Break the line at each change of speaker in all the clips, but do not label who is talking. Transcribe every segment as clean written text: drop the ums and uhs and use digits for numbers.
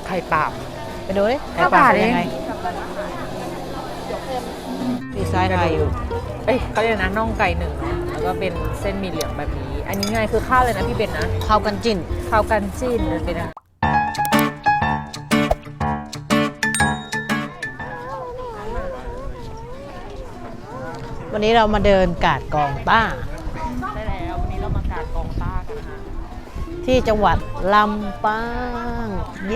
ข่ปาบไปดูดิไข่
5
ปา
บา
บ
ท
เป็น
เอ
ยัง
ง
ไงมีไซส์ไทยอยู่เอ้ยเขาเรียกนะน่องไก่หนึ่งเนาะแล้วก็เป็นเส้นหมี่เหลืองแบบนี้ อันนี้ไงคือข้าวเลยนะพี่เบนนะ
ข้าวกันจิ้น
ข้าวกันจิ้นมันเป็นอะไร
วันนี้เรามาเดินกาดกองต้า
ได้แล้ววันนี้เรามากาดกองต้ากันนะคะ
ที่จังหวัดลำปาง เย้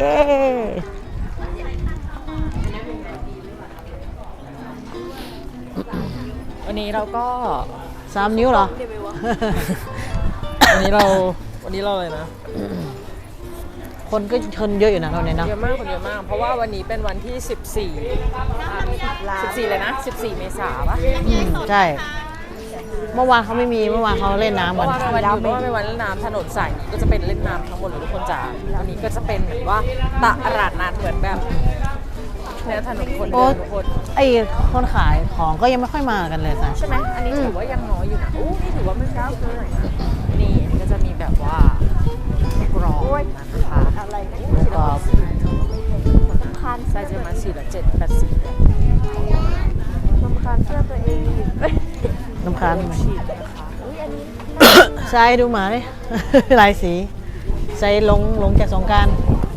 วันนี้เราก็
3 นิ้วเหรอ
วันนี้เราเลยนะ
คนก็ชนเยอะอยู่นะตอนนี้เนาะ
เยอะมากคนเยอะมาก เพราะว่าวันนี้เป็นวันที่ 14เลยนะ14 เมษายนปะ
ใช่ เมื่อวานเขาไม่มี เมื่อวานเขาเล่นน้ำ
เพ
กัน
ราะว่าเป็นวันหยุดเพราะว่าเป็นวันเล่นน้ำถนนสายนี้ก็จะเป็นเล่นน้ำทั้งหมดเลยทุกคนจ๋าวันนี้ก็จะเป็นแบบว่าตลาดนัดเหมือนแบบเนี่ยถนนคนเดินทุกคน
ไอ้คนขายของก็ยังไม่ค่อยมากันเลยจ้ะ
ใช่ไหมอันนี้ถือว่ายังน้อยอยู่นะอู้นี่ถือว่าไม่เช้าเกินหน่อยนะนี่อันนี้ก็จะมีแบบว่ากรอบนะคะอะไร
กรอบ
คันไซส์จะมา4 ละ 7 80เลย
รำคาญเสื้อตัวเองอีก
น้ำค้างไหม
ฉีดนะคะ
อุ้ยอันนี้
ใส่ดูหมาดิ ลายสี ใส่ลงจากสงกราร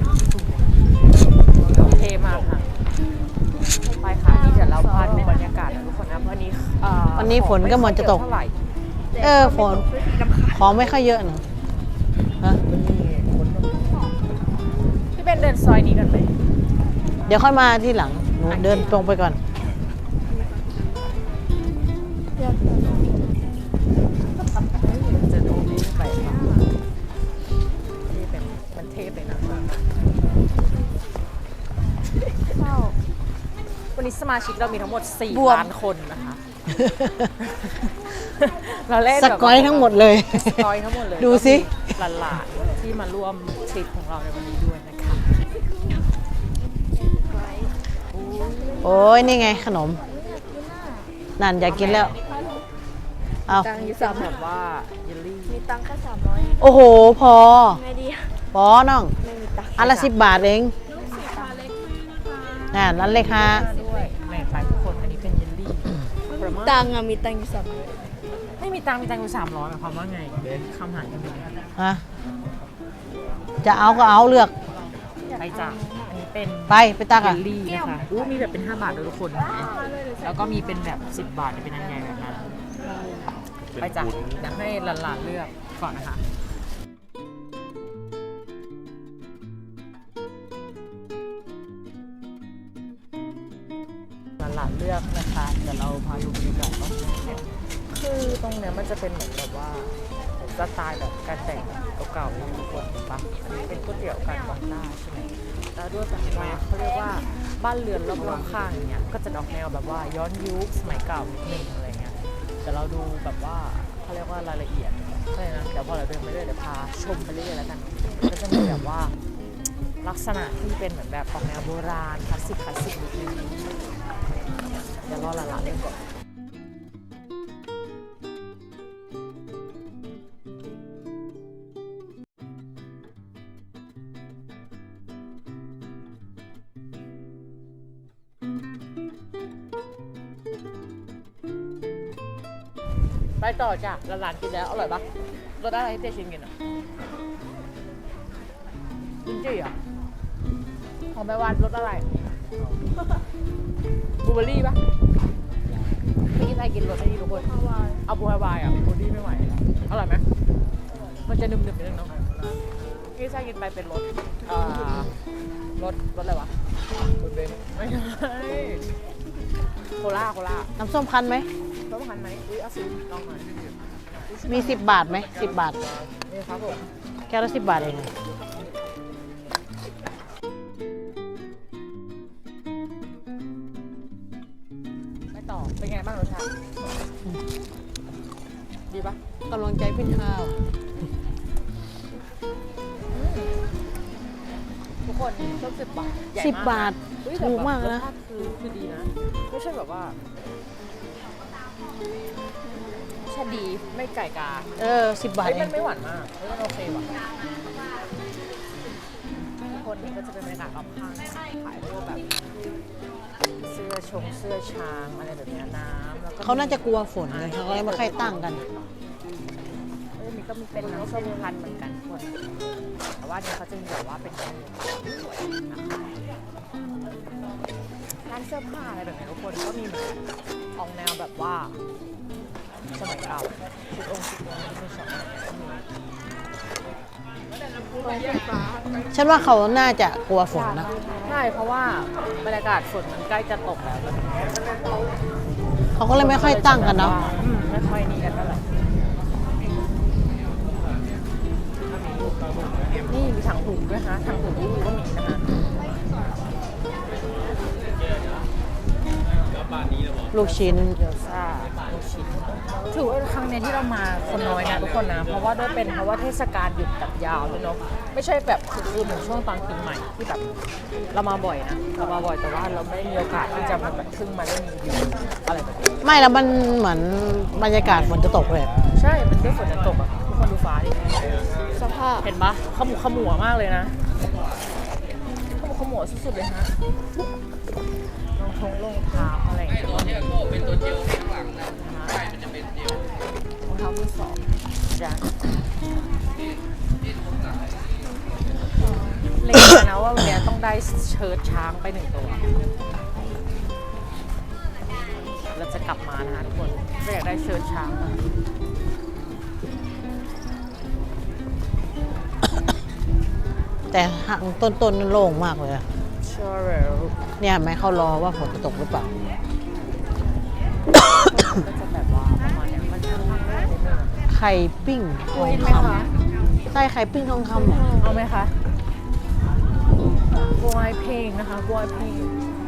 เท่มากค่ะไปค่ะนี่เดี๋ยวเราพาดูบรรยากาศนะทุกคนนะวันนี้
วันนี้ฝนก็เหมือนจะตก
เท่าไหร่
ฝนของไม่ค่อยเยอะนะฮะ
พี่เป็นเดินซอยนี้กันไหม
เดี๋ยวค่อยมาที่หลัง หนูเดินตรงไปก่อน
จะดูนี่ไปค่ะนี่เป็นมันเทพเลยนะ
เข้า
วันนี้สมาชิกเรามีทั้งหมด
บวม
4 ล้านคนนะคะ เราเล่น
ส
แบบ
กอยทั้งหมดเลย
สกอยทั้งหมดเลย
ดูสิ
หลานๆที่มาร่วมทริปของเราในวันนี้ด้วยนะคะ
โอ้ยนี่ไงขนม นั่นอยากกินแล้ว เอา
ตังค์อยู่
จะแบบว่าเยลลี่
มีตังค์แค่300
โอ้โห พอ
ไงดี
พอน้อง
ไม่มีตังค์
อันละ10 บาทเองนั่นเลยค่ะ
ด้วยในไปทุกคนอันนี้เป็นเยลลี่ผลไม้
ตังค์อะมีตังค์อยู่
ไม่มีตังค์อยู่300หมายความว่าไงคำหายกันเลย
ฮะ จะเอาก็เอาเลือก
ไปจ้ะอันนี้เป็น
ไปตัก
เย
อ่ะ
ลลี่นะคะอู้มีแบบเป็น5 บาทด้วยทุกคนแล้วก็มีเป็นแบบ10 บาทเป็นอันใหญ่แบบนั้นไปจ้ะอยากให้หลานๆเลือกก่อนนะคะหลานๆเลือกนะคะเดี๋ยวเราพาดูบรรยากาศว่าคือตรงเนี้ยมันจะเป็นเหมือนแบบว่าสไตล์แบบการแต่งเก่าๆนะทุกคนเห็นปะอันนี้เป็นก๋วยเตี๋ยวการวางหน้าใช่ไหมแล้วด้วยแบบว่าเขาเรียกว่าบ้านเรือนรอบๆข้างอย่างเงี้ยก็จะออกแนวแบบว่าย้อนยุคสมัยเก่านิดนึงอะไรเงี้ยแต่เราดูแบบว่าเขาเรียกว่ารายละเอียดอะไรนะเดี๋ยวพอเราเดินไปเรื่อยเดี๋ยวพาชมไปเรื่อยๆแล้วกันก็จะมีแบบว่าลักษณะที่เป็นเหมือนแบบออกแนวโบราณคลาสสิกนิดนึงเดี๋ยวรอหลานๆเล่นก่อนไปต่อจ้ะหลานๆกินแล้วอร่อยปะรสอะไรให้เต้ชิมกินอ่ะกินจี้เหรอของแม่วานรสอะไรบลูเบอร์รี่ปะไม่กินใครกินรสนี้ทุกคนเอาบลูฮาวายอ่ะบลูเบอร์รี่ไม่ไหวอร่อยไหมมันจะหนึบๆนิดนึงเนาะที่ใช่กินไปเป็นรสรสอะไรวะรสเบนไม่ใช่โคล่า
น้ำส้มคั้นไหม
ต้องหันไหมอุ้ยเอาสิลองหน่อย
มี 10 บาทไหม10 บาท
นี่ครับผม
แก้วละ10 บาทเอง
ไปต่อเป็นไงบ้างรสชาติดีปะ
กำลังใจขึ้นข้าว
ทุกคนต้อง10 บาทใหญ่
10 บาท
เฮ้ย
ถูกมาก
แต่
นะ
รสชาติคือดีนะไม่ใช่แบบว่าใช่ดีไม่ไก่กา
10 บาท
เฮ้ย
เอ
มั
ง
นไม่หวานมากเฮ้ยมันโอเคว่ะคนนี้ก็จะเป็นบรรยากาศรอบข้างขายพวกแบบเสื้อช้างอะไรแบบเนี้ยน้ำแล้วก็
เขาน่าจะกลัวฝนกันเขาก็เลยไม่ค่อยตั้งกัน
มีก็มีเป็นน้ำส้มพันธุ์เหมือนกันทุกคนแต่ว่าเนี่ยเขาจะมีแบบว่าเป็นร้านเสื้อผ้าอะไรแบบนี้ทุกคนก็มีเหมือนกันออกแนวแบบว่าสมัยเก่าชุดองค์ชุดสอง
ฉันว่าเขาน่าจะกลัวฝนนะ
ใช่เพราะว่าบรรยากาศฝนมันใกล้จะตกแล้ว
เขาก็เลยไม่ค่อยตั้งกันเนาะ
ไม่ค่อยนี่กันเท่าไหร่นี่มีถังหูด้วยนะถังหูนี่ก็มีนะคะ
ลูกชิ้น
เกี๊ยวซ่าลูกชิ้นถือว่าครั้งนี้ที่เรามาคนน้อยนะทุกคนนะเพราะว่าด้วยเป็นเพราะว่าเทศกาลหยุดแบบยาวด้วยเนาะไม่ใช่แบบคือเหมือนช่วงตอนปีใหม่ที่แบบเรามาบ่อยนะเรามาบ่อยแต่ว่าเราไม่มีโอกาสที่จะมาแบบมาเล่นรีวิวอะไรแบบนี้
ไม่แล้วมันเหมือนบรรยากาศฝนจะตกเลย
ใช่มันด้วยฝนจะตกอ่ะทุกคนดูฟ้าดิ
สภาพ
เห็นปะขมัวมากเลยนะขมัวสุดๆเลยฮะรองเท้าอะไรอย่างเงี้ยเป็นตัวเจลข้างหลังนะใช่มันจะเป็นเจลรองเท้ามือสองจ้ะเล็งมานะว่าวันนี้ต้องได้เชิ้ตช้างไป1 ตัวเราจะกลับมานะคะทุกคนก็อยากได้เชิ้ตช้างมา
แต่ห่างต้นๆนั่นโล่งมากเลยอะ
ใช่แล้ว
เนี่ยเห็นไหมเขารอว่าฝนจะตกหรือเปล่า
ก็จะแบบว่าประมาณเนี้ยมันค่อนข้างนิดนึง
ไข่ปิ้งทอง
ไหม
ค
คะ
ำใช่ไข่ปิ้งทองคำเหรอ
เอาไหมคะกล้วยเพลงนะคะกล้วยเพลง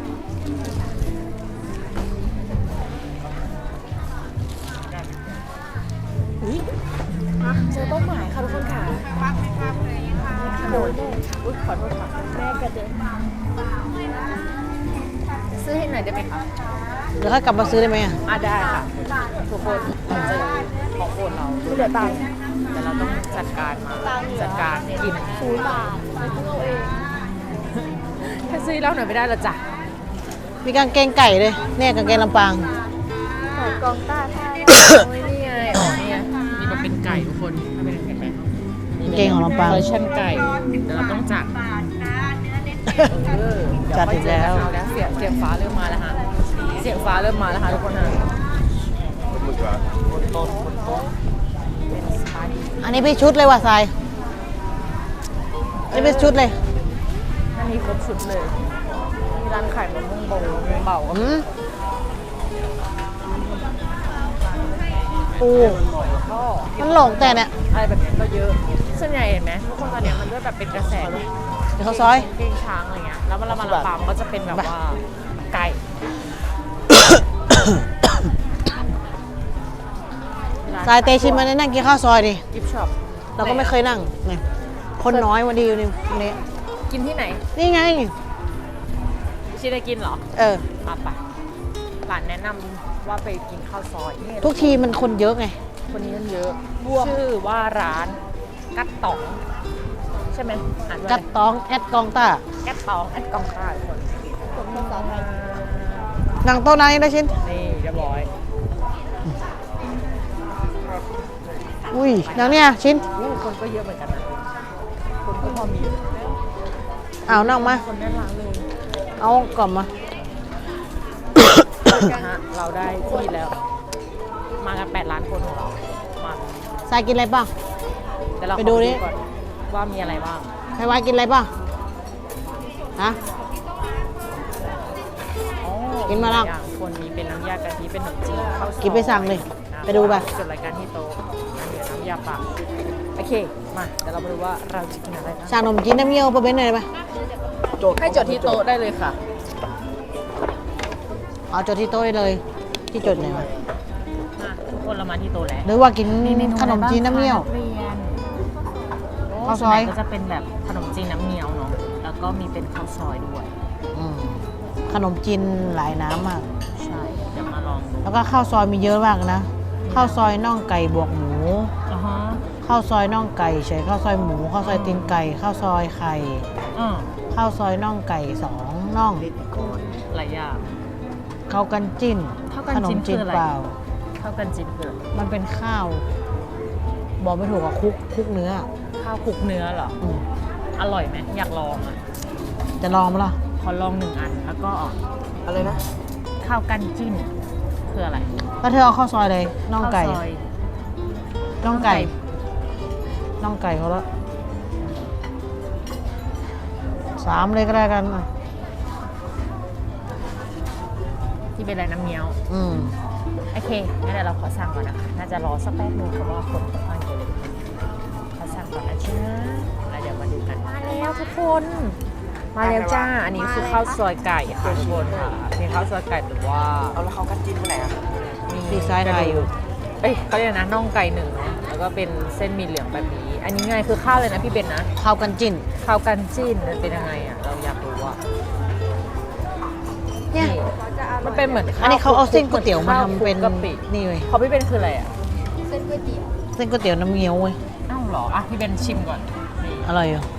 อุ๊ยเจอเป้าหมายค่ะทุกคนค่ะโดนอุ๊ยขอโทษค่ะแม่กระเด็นซื้อให้หน่อยได้ไหมคะ
เดี๋ยวค่อยกลับมาซื้อได้ไหมอะ
ได้ค่ะทุกคนเราเจอของโปรดเรา
เหลือตังค์
แต่เราต้องจัดการมาจัดการกิน
0 บาทไม่ต้องเอาเอง
ถ้าซื้อแล้วหน่อยไม่ได้หรอจ๊ะ
มีกางเกงไก่เลยเนี่ยกางเกงลำปาง
ขายกองต้าท่า
โอ้ยนี่ไงอ๋อนี่ไงมีแบบเป็นไก่ทุกคนถ้าเป็นเห็นไหม
กางเกงของลำปาง
เวอร์ชันไก่เดี๋ยวเราต้องจัดเดี๋ยว
จัดอีกแล้ว
ค่อยเจอกันเสียงฟ้าเริ่มมาแล้วฮะเสียงฟ้าเริ่มมาแล้วฮะทุกคนฮะเป็นสไตล์
อันนี้เป็นชุดเลยว่ะทรายอันนี้เป็นชุดเลย
มันมีครบชุดเลยมีร้านขายมะม่วงเบา
อืมปู
ก็
มันหลงแต่เนี่ย
อะไรแบบนี้ก็เยอะส่วนใหญ่เห็นไหมทุกคนตอนเนี้ยมันด้วยแบบเป็นกระแส
เดี๋ยวเขาซอย
เก้งช้างอะไรเงี้ยแล้วเรามาลำปางก็จะเป็นแบบว่าไก่
ทรายเตชินมาได้นั่งกินข้าวซอยดิ
กิฟช็อป
เราก็ไม่เคยนั่งเนี่ยคนน้อยวันดีอยู่นี่วันนี้
กินที่ไหน
นี่ไง
ชิได้กินเหรอ
เออ
ไปหลานแนะนำว่าไปกินข้าวซอยนี่
ทุกทีมันคนเยอะไง
คนนี้มันเยอะชื่อว่าร้านกัดตองใช่ไหมอ่านว่า
กัดตองแอดกองต้า
กัดตองแอดกองใต้คน
ผมภาษาไทย
นั่งโต๊ะนั้นได้ชิ้น
นี่เรียบร้อย
อุ้ยนั่งเนี่ยชิ้น
คนก็เยอะเหมือนกันนะคนก็พอมี
เอานั่งมา
คนแน่นร้านเลย
เอากล่อมมา
นะฮะเราได้ที่แล้ว มากัน8 ล้านคนของเรามา
ทรายกินอะไรบ้าง
เดี๋ยวเรา
ไปดูดิ
ก่อนว่ามีอะไรบ้าง
ไพวายกินอะไรบ้างฮะ
อ๋อ
กินมาแล้ว
หลยอย่างคนมีเป็นน้ำยากะทิเป็นขนมจีนข้าวซอย
กินไปสั่งเลย
นะ
ไปดูไป
จดรายการที่โต๊ะอันเดี๋ยวน้ำยาป่าโอเคมาเดี๋ยวเรามาดูว่าเราจะกินอะไรนะ
สั่งขนมจีนน้ำเงี้ยวไปเป็นหน่อยได้ไหม
ให้จดที่โต๊ะได้เลยค่ะ
เอาจดที่โต๊ะได้เลย ที่จดไหนวะ
มาทุกคนเรามาที่โต๊ะแล้ว
หรือว่ากินขนมจีนน้ำเงี้ยว
เรียน
ข้าวซอย
ก็จะเป็นแบบขนมจีนน้ำเงี้ยวเนาะแล้วก็มีเป็นข้าวซอยด้วย
อืมขนมจีนหลายน้ำมาก
ใช่เดี๋ยวมาลองดู
แล้วก็ข้าวซอยมีเยอะมากนะ ข้าวซอยน่องไก่บวกหมู
อ่าฮะ
ข้าวซอยน่องไก่เฉยข้าวซอยหมูข้าวซอยตีนไก่ข้าวซอยไข่
อืม
ข้าวซอยน่องไก่2น่อง
หลายอย่าง
ข้าวกันจิ้น
ข้าวกัน
ขน
จิ้
ม
น
จีน
คืออะไร
เปล่า
ข้าวกันจิ้นคืออะไร
มันเป็นข้าว บอกไม่ถูกอะคุกเนื้อ
ข้าวคลุกเนื้อเหรอ
อืม
อร่อยไหมอยากลองอ่ะ
จะลองไหมล่ะ
ขอลอง1 อันแล้วก็
อะไรนะ
ข้าวกันจิ้นคืออะไร
แล้วเธอเอาข้าวซอยเลยน่องไก่
ข้าวซอย
น่องไก่น่องไก่เขาละ3เลยก็ได้กันอ่ะ
ที่เป็นอะไรน้ำเงี้ยว
อืม
โอเคงั้นเดี๋ยวเราขอสั่งก่อนนะคะ น่าจะรอสักแป๊บนึงเพราะว่าคนค่อนข้างเยอะเลยขอสั่งก่อนนะจ้าแล้วเดี๋ยวมาดูกัน มาแล้วทุกคน มาแล้วจ้า อันนี้คือข้าวซอยไก่ค่ะทุกคนค่ะมีข้าวซอยไก่หรือว่า
เอาแล้วเขากันจิ้นไปไหนอ่ะ
ดีไซน์ไทยอยู่
เอ้ยเขาเรียกนะน่องไก่1เนาะ แล้วก็เป็นเส้นหมีเหลืองแบบนี้ อันนี้ไงคือข้าวเลยนะพี่เบนนะ
ข้าวกันจิ้น
ข้าวกันจิ้นมันเป็นยังไงอ่ะ เราอยากรู้อ่ะ
เนี่ย
มันเป็นเหมือนข้าว
อันนี้เขาเอาเส้นก๋วยเตี๋ยวมา
ข้
ทำเป็น
คลุกกะปิ
นี่เว้ย
เขาพี่เบนคืออะไรอ่ะ
เส้นก๋วยเตี๋ยว
เส้นก๋วยเตี๋ยวน้ำเงี้ยวเว้ย
อ้าวเหรอ อ่ะพี่เบนชิมก่อนนี่
อร่อยอยู่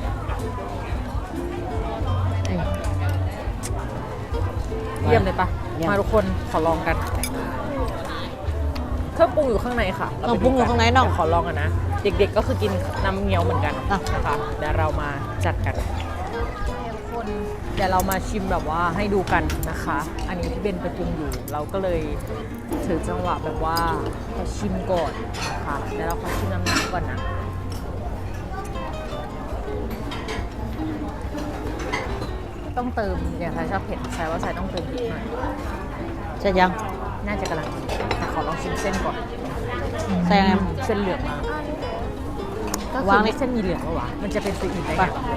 อืม
เยี่ยมเลยปะ
เยี่ยม
มาทุกคนขอลองกัน เครื่องปรุงอยู่ข้างในค่ะ
เครื่องปรุงอยู่ข้างในน้อง
เดี๋ยวขอลองกันนะ เด็กๆก็คือกินน้ำเงี้ยวเหมือนกัน
อ่ะ
นะคะเดี๋ยวเรามาจัดกันทุกคนเดี๋ยวเรามาชิมแบบว่าให้ดูกันนะคะ อันนี้ที่เบนไปปรุงอยู่ เราก็เลยถือจังหวะแบบว่าขอชิมก่อนนะคะเดี๋ยวเราขอชิมน้ำก่อนนะต้องเติมอย่างใครชอบเผ็ดใช่ว่าใส่ต้องเติมพริกหน่อย
ใช่ยัง
น่าจะกำลังดีแต่ขอลองชิมเส้นก่อน
ใส่ยังไง
เส้นเหลืองมากก็คื
วา
อง
นี่
ไม่เส้นมีเหลืองปะวะมันจะเป็นสีอื่นได้
ไป
ไงวะ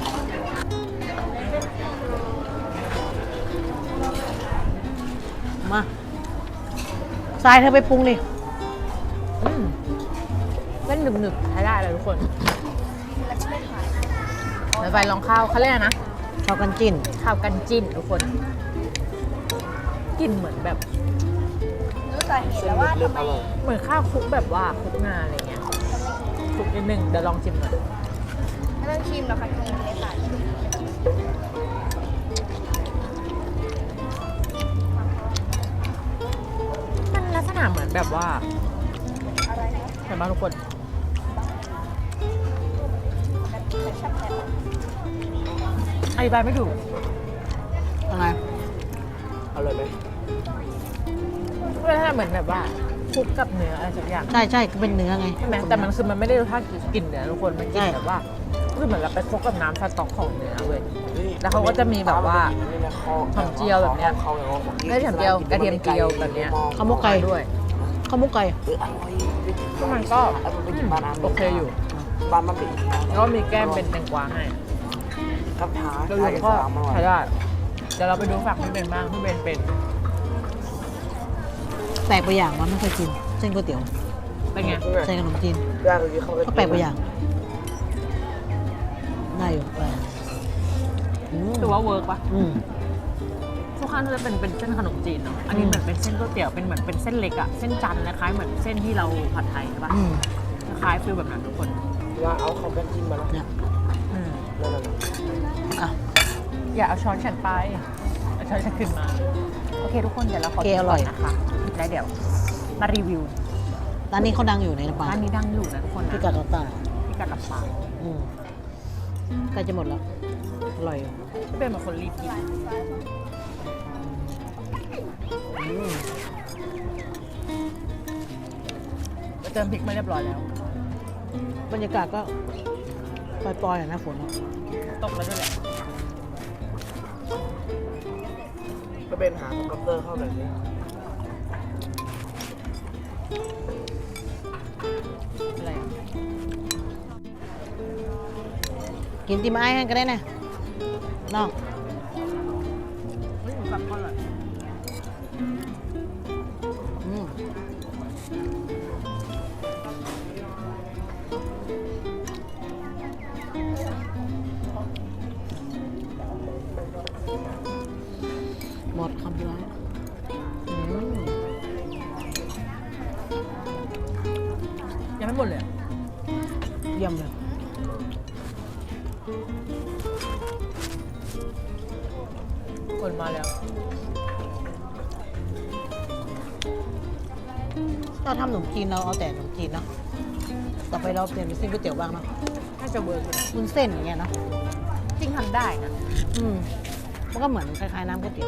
มาทรายเธอไปปรุงดิ
อืมเส้นหนึบๆใช้ได้เลยทุกคนเดี๋ยวไปลองข้าวเขาเรียกอะไรนะ
ข้าวกันจิ้น
ข้าวกันจิ้นทุกคนกลิ่นเหมือนแบบ
รู้สาเหตุแล้วว่าทำไม
เหมือนข้าวคลุกแบบว่าคลุกงาอะไรเงี้ยคลุกนิดนึงเดี๋ยวลองชิมหน่อย
ไม่ต้องชิมหรอกค่ะกินเลยค่ะ
มันลักษณะเหมือนแบบว่า
อะไรนะ
เห็นไหมทุกคน
แต่ชอบแทน
อธิบายไม่ถูก
อะไร
เอาเลยไหม
เพื่อให้เหมือนแบบว่าคลุกกับเนื้ออะไรสักอย่าง
ใช่ใช่ก็เป็นเนื้อไง
ใช่ไหมแต่มันคือมันไม่ได้รสชาติกลิ่นเนื้อทุกคนมันกลิ่น
ใช่
แบบว่าคือเหมือนเราไปคลุกกับน้ำสต๊อกของเนื้อเว้ย แล้วเขาก็จะมีแบบว่าหอมเจียวแบบเนี้ย ไม่ใช่หอมเจียวกระเทียมเจียวแบบเนี้ย
ข้าวหมกไก่
ด้วย
ข้าวหมกไก่
ก็มันก็โอเคอยู่
บ้านมันเป็น
แล้วก็มีแก้มเป็นแตงกวาให้
กับท้า
โดยรวมก็ใช้ได้เดี๋ยวเราไปดูฝั่งพี่เบนบ้างพี่เบนเป็น
แปลกไปอย่างว่าไม่เคยกิน เส้นก๋วยเตี๋ยว
เป็นไง
ใส่ขนมจีน
ย่างเมื่อกี้เขา
ก็แปลกไปอย่างได้อยู่แปลกอืม
ถือว่าเวิร์กปะ
อืม
ทุกครั้งจะเป็นเส้นขนมจีนเนาะอันนี้เหมือนเป็นเส้นก๋วยเตี๋ยวเป็นเหมือนเป็นเส้นเล็กอะเส้นจันทร์คล้ายๆเหมือนเส้นที่เราผัดไทยใช่ปะ
อืม
คล้ายฟิลแบบนั้นทุกคน
ว่าเอาเขากันจิ้นมาแล้ว
เนี่ย
อืม
นั่นแหละ
อ่ะ
อย่าเอาช้อนฉันไปเอาช้อนฉันขึ้นมาโอเคทุกคนเดี๋ยวเราขอ
โอเคอร่อย
กินก่นนะคะแล้วเดี๋ยวมารีวิว
ร้านนี้เขาดังอยู่ในลำปาง
ร้านนี้ดังอยู่นะทุกคนนะ
พิกัดลำปาง
พิกัดลำปาง
อืมใกล้จะหมดแล้ว อร่อยอยู่
เป็นเหมือนคนรีบกิน
อืม
เติมพริกมาเรียบร้อยแล้ว
บรรยากาศก็ปล่อยๆอ่ะนะฝนอะ
ตกแล้วด้วยแหละ
ก็เป็นหาคอมพิวเตอร์เข้าหน่อยสิ
อะไรอ่ะ
กินติมไอ้กันก็ได้นะน้อง
เฮ้ยหมูสับก็อร่อย
อืมหมดคำเดียวอืม
ยังไม่หมดเลยอะคนมาแล้ว
เราทำขนมจีนเราเอาแต่ขนมจีนเนาะต่อไปเราเปลี่ยนเป็นเส้นก๋วยเตี๋ยวบ้างเนาะ
น่าจะเวิร์กเลย
วุ้นเส้นอย่างเงี้ยเนาะ
จริงทำได้นะ
มันก็เหมือนคล้ายๆน้ำก๋วยเตี๋ยว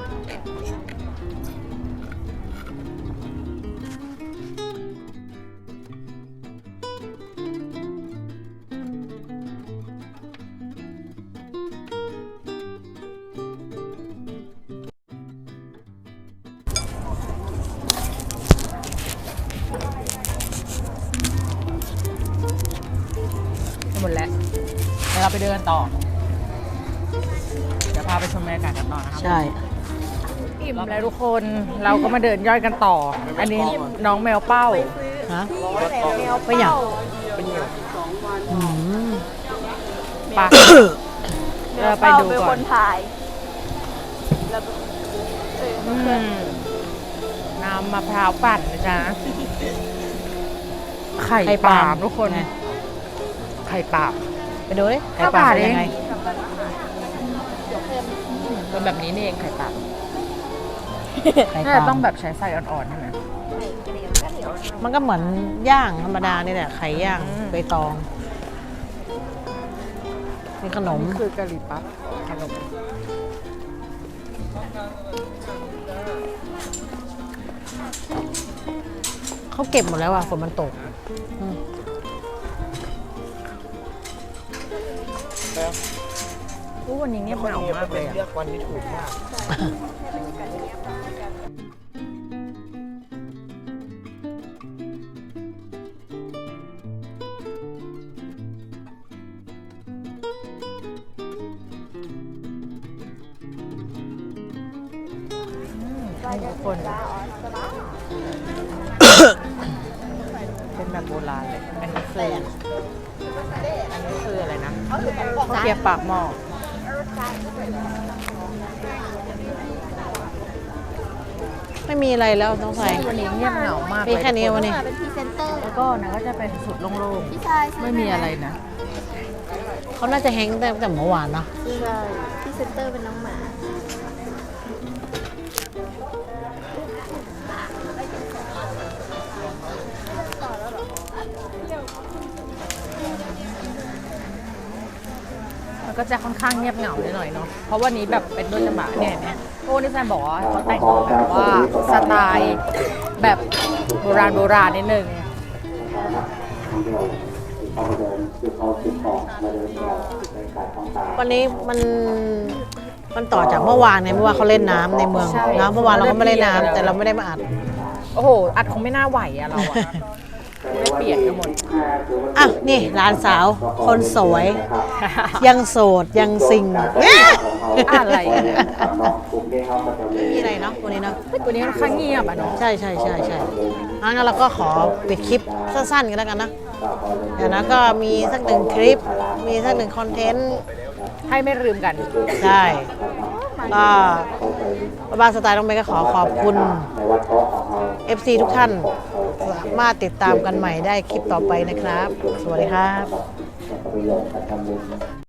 หมดแล้วเดี๋ยวเราไปเดินต่อ เดี๋ยวพาไปชมบรรยากาศกันต่อนะครับ
ใช่
อิ่มแล้วทุกคนเราก็มาเดินย่อยกันต่อ อันนี้น้องแมวเป้า
ฮะ
แมว
ไปอย่าง
เป็นเหนียว
ปะเราไปดูก่อน อืมน้ำมะพร้าวปั่นนะจ๊ะ ไข่ปลาล์มทุกคน
ไง
ไข่ปลาล์ม
ไปดูดิ
ไข่ปลา
เป็นยังไง
เป็นแบบนี้นี่เองไข่ปลาล์ม
ไข่
น่า
ป
จะ
ลา
ต้องแบบใช้ไฟอ่อนๆใช่ไหม
มันก็เหมือนย่างธรรมดานี่แหละไข่ย่าง
อืม
ใบตองมีขนม
คือกะหรี่ปั๊บขนม
เขาเก็บหมดแล้วอ่ะฝนมันตกอืม
แล้ว
อู้วันนี้เงียบเหงามากเลยอะ
เลือกวันที่ถูกมาก
ทุกคน เป็นแบบโบราณเลย อันนี้คืออะไรนะข้าวเกรี๊ยวปากหม้อ
ไม่มีอะไรแล้วต้องใส่
วันนี้เงียบเหงามากเลย
มีแค่นี้วันนี้
เป็นพรีเซนเตอร์
แล้วก็นะก็จะเป็นสุดโล่ง
พี่ชาย
ๆ ไม่มีอะไรนะ
เขาน่าจะแฮงค์ตั้งแต่เมื่อวานเนาะ
ใช่พรีเซนเตอร์เป็นน้องหมา
มันก็จะค่อนข้างเงียบเหงาหน่อยเนาะ เพราะวันนี้แบบเป็นต้นฉบับเนี่ยเนี่ยพวกที่แซมบอกว่าเขาแต่งตัวแบบว่าสไตล์แบบโบราณนิดนึง
วันนี้มันต่อจากเมื่อวานไงเมื่อวานเขาเล่นน้ำในเมือง
ใช่
นะเมื่อวานเราก็ไม่เล่นน้ำแต่เราไม่ได้มาอัด
โอ้โห อัดคงไม่น่าไหวอะเราอะไม่เปลี่ยนกันหมด
อ่ะนี่หลานสาว คนสวย ยังโสดยังซิง
อะไรอะ
นี่อะไรเนาะวันนี้เนาะ
วันนี้ค่อนข้างเงียบอะเนาะ
ใช่งั้นเราก็ขอปิดคลิปสั้นๆกันแล้วกันนะเดี๋ยวนะก็มีสักหนึ่งคลิป มีสักหนึ่งคอนเทนต์
ให้ไม่ลืมกัน
ใช่ก็บ้านสไตล์น้องเมย์ก็ขอขอบคุณ FC ทุกท่านสามารถติดตามกันใหม่ได้คลิปต่อไปนะครับ สวัสดีครับ